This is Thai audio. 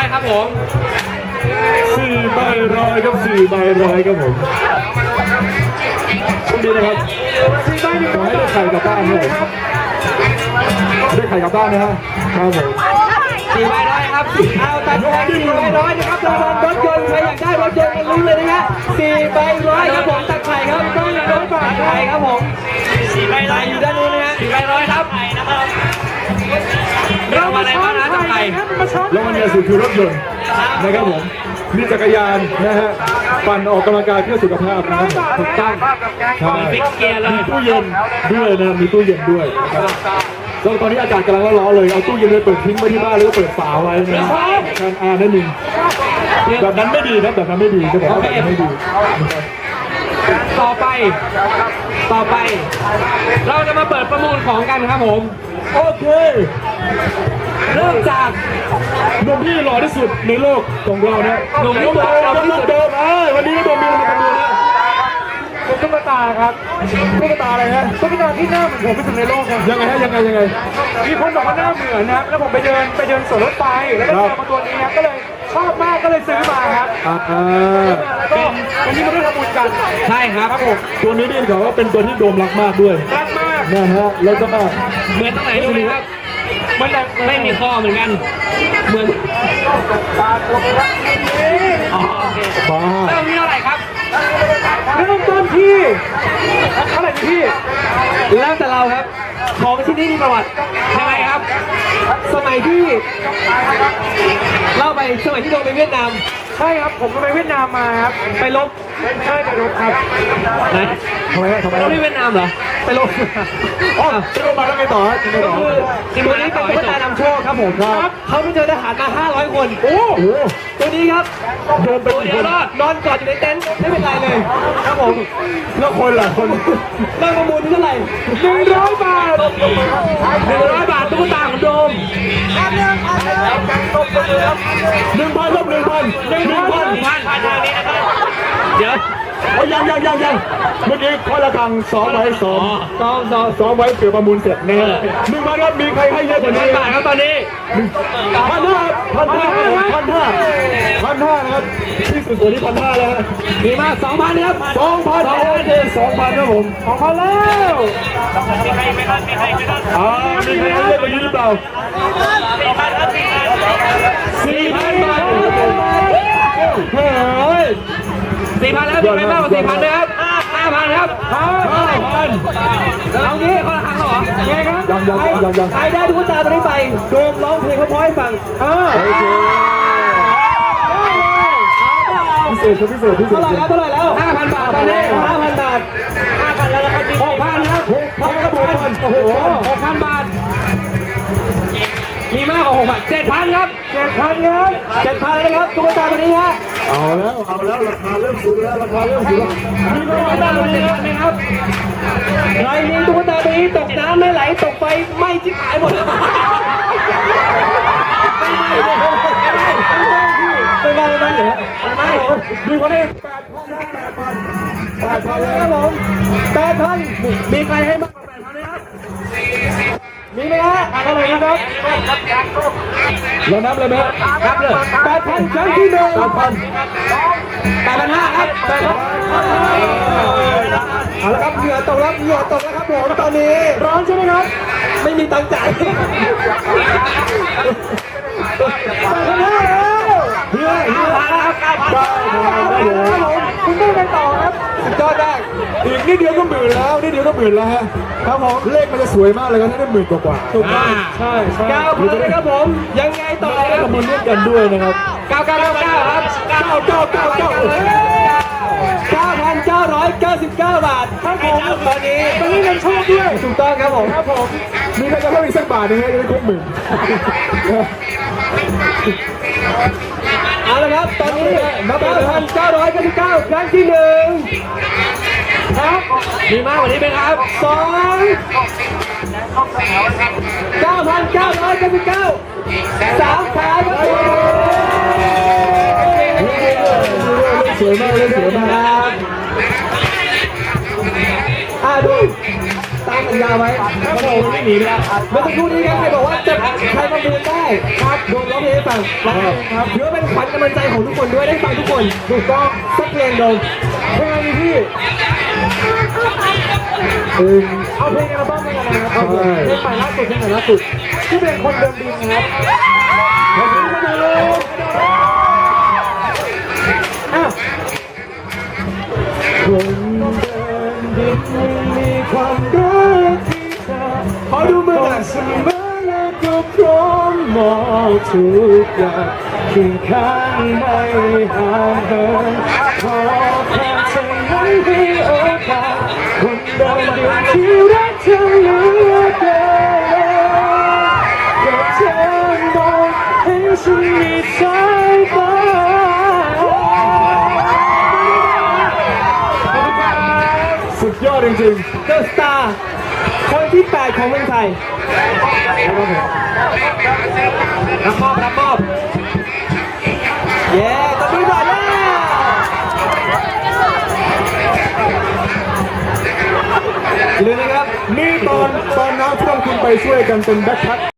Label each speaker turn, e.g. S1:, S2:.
S1: ครับผม
S2: 4 ใบร้อยครับ4 ใบร้อยครับผมช่วงนี้นะครับ4 ใบ100ขอให้ได้ไข่กลับบ้านด้วยได้ไข่กลับบ้านนะฮะครับผม
S1: 4 ใบร้อยครับเอาตัดแทน4 ใบร้อยนะครับรางวัลรถยนต์ใครอยากได้รถยนต์มาลุ้นเลยนะฮะ4 ใบร้อยครับผมตัดไข่ครับต้องรถบาทไข่ครับผม4 ใบร้อยอยู่ด้านนู้นนะฮะ4 ใบร้อยครับเรามาอะไรบ้างนะตัดไข่
S2: แล้ววันนี้สุดคือรถยนต์นะครับผมมีจักรยานนะฮะปั่นออกกำลังกายเพื่อสุขภาพนะครับถูกต้องใช่มีตู้เย็นด้วยนะมีตู้เย็นด้วยนะครับแล้วตอนนี้อากาศกำลังร้อนๆเลยเอาตู้เย็นเลยเปิดทิ้งไว้ที่บ้านแล้วก็เปิดฝาไว้นะการนั่นเองแบบนั้นไม่ดีครับแบบนั้นไม่ดีจะบอกว่าแบบนั้นไม่ดี
S1: ต่อไปเราจะมาเปิดประมูลของกันครับผม
S2: โอเค
S1: เริ่มจาก
S2: หนุ่มที่หล่อที่สุดในโลกของเราเนี่ย
S1: หนุ่มที่หล่อที่สุด
S2: วันนี้โดมมีมาประมูลนะเป็นตุ๊กตาครับตุ๊กตาอะไรฮะตุ๊กตาที่หน้าเหมือนผมที่สุดในโลกครับยังไงฮะยังไงมีคนบอกว่าหน้าเหมือนนะแล้วผมไปเดินสวนรถไฟแล้วก็เจอมาตัวนี้ครับก็เลยชอบมากก็เลยซื้อมาครับแล้วก็วันนี้มาได้ทำบุญกัน
S1: ใช่ครับ
S2: ผมตัวนี้นี่เขาว่าเป็นตัวที่โดมรักมากด้วย
S1: รักมาก
S2: นะฮะแล้วก็
S1: เหมือนตรงไหนดูครับมันไม่มีข้อเหมือนกันเหมือนอ๋อโอเคเริ่มที่เท่าไหร่ครับ
S2: เริ่มต้นที่เท่าไหร่พี่
S1: แล้วแต่เราครับของที่นี่มีประวัติยังไงครับสมัยที่เล่าไปสมัยที่โดนไปเวียดนาม
S2: ใช่ครับผมไปเวียดนามมาครับ
S1: ไปลบ
S2: ใช่ไปลบครับ
S1: ไหน
S2: ทำไม
S1: เราที่เวียดนามเหรอไปลบ
S2: อ๋อไปลบมาแล้วไงต่อ
S1: ก็คือตัวนี้เป็นตุ๊กตานำโชคครับผมครับเขาไปเจอทหารมา500 คน
S2: โอ้โห
S1: ตัวนี้ครับ
S2: โดนเป็น
S1: เดียวนอนกอดอยู่ในเต็นท์ไม่เป็นไรเลยครับผม
S2: แล้วคนล่ะคน
S1: เริ่มประมูลที่เท่าไหร่
S2: 100 บาท
S1: 100 บาทตุ๊กตาของโดม
S2: 1,000ครับ1,000
S1: พันทางนี้นะครับเดี๋ยว
S2: ยังเมื่อกี้ข้อละครัง2 ไว้เกือบประมูลเสร็จแน่1,000ครับมีใครให้เยอะกว่านี้
S1: บาทครับตอนนี้
S2: 1,500นะครับที่สุดตัวนี้1,500แล้ว
S1: มีมาก 2,000ครับ
S2: 2,000ครับผม2,000แล้วมีใครให้เยอะกว่านี้หรือเปล่า4,000 บาท
S1: เฮ้ย4,000แล้วมีใครมากกว่า4,000นะครับ5,000ครับ5,000เอางี้คนละครั้งเหรอไงครับใครได้ตุ๊กตาตัวนี้ไปโดมร้องเพลงเขาพอให้ฟัง
S2: โอเคพิเศษ
S1: เท่าไหร่แล้ว 5,000 บาทตอนนี้ 5,000 บาท 5,000 แล้วนะครับ 6,000 ครับ6,000โอ้โห 6,000 บาทมีมากกว่า 6,000 7,000 ครับ 7,000 นะครับตุ๊กตาตัวนี้ฮะ
S2: เอาแล้วราคาเริ่มสูงแล้ว
S1: มีตุ๊กตาตัวนี้ไหมครับใครมีตุ๊กตาตัวนี้ตกน้ำไม่ไหลตกไฟไม่ชิบหายหมดไม่เหรอ
S2: มีคนนี้8,000
S1: ครับผม8,000มีใครให้มากกว่า 8,000 ไหมครับมีไหมฮะอะไรนะครับ
S2: เรานับเลยไหม
S1: นับเลย
S2: 8,000 ครั้งที่ 1
S1: 8,500 ครับ
S2: เอาละครับเหงื่อตกแล้วครับผมตอนนี้ร้อนใช่ไหมครับ
S1: ไม่มีตังค์จ่าย
S2: เฮ้ย
S1: คุณต้องไปต่อครับสุดยอดได้
S2: อีกนิดเดียวก็หมื่นแล้วฮะครับผมเลขมันจะสวยมากเลยครับได้10,000 กว่า
S1: ถูกต้อง
S2: ใช่
S1: 9,000นะครับผมยังไงต่อครับ
S2: ประมูลร่วมกันด้วยนะครับ
S1: 9,999ครับ9,999 บาทครับผมตอนนี้
S2: เงินโชคด้วย
S1: ถูกต้องครับผม
S2: มีใครจะเพิ่มอีกสักบาทนึงให้ได้ครบ10,000
S1: เอาละครับตอนนี้ 9,999 ครั้งที่ 1ครับมีมากกว่านี้ไหมครับ9,999 3 ขาครับ
S2: สวยมากเลย
S1: ดูตามสัญญาไว้ครับผมไม่หนีนะเมื่อสักครู่นี้ครับใครบอกว่าจะใครประมูลได้ครับโดนร้องเพลงให้ฟังครับถือว่าเป็นขวัญกำลังใจของทุกคนด้วยได้ฟังทุกคนถูกต้องสักเพลงโดนเพลงพี่เอาเพลงอัลบั้มนี้กันนะครับเพลงใหม่ล่าสุดเพลงใหม่ล่าสุดที่เป็นคนเดินดินนะครับขอบคุณมากเลยอ้าวคนเดินดินมีความรักที่เธอขอดูมือหน่อยเสมอและก็พร้อมมอบทุกอย่างเคียงข้างไม่ห่างเหินขอแค่เธอนั้นให้โอกาสคนเดินดินที่รักเธอเหลือเกินอยากเธอมองให้ฉันมีสายตาสุดยอดจริงๆ The Star คนที่ 8 ของเมืองไทยรับมอบเย้ตบมือหน่อยนะอย่าลืมนะครับ
S2: นี่ตอนน้ำท่วมคุณไปช่วยกันเป็นแบ็คแพ็ค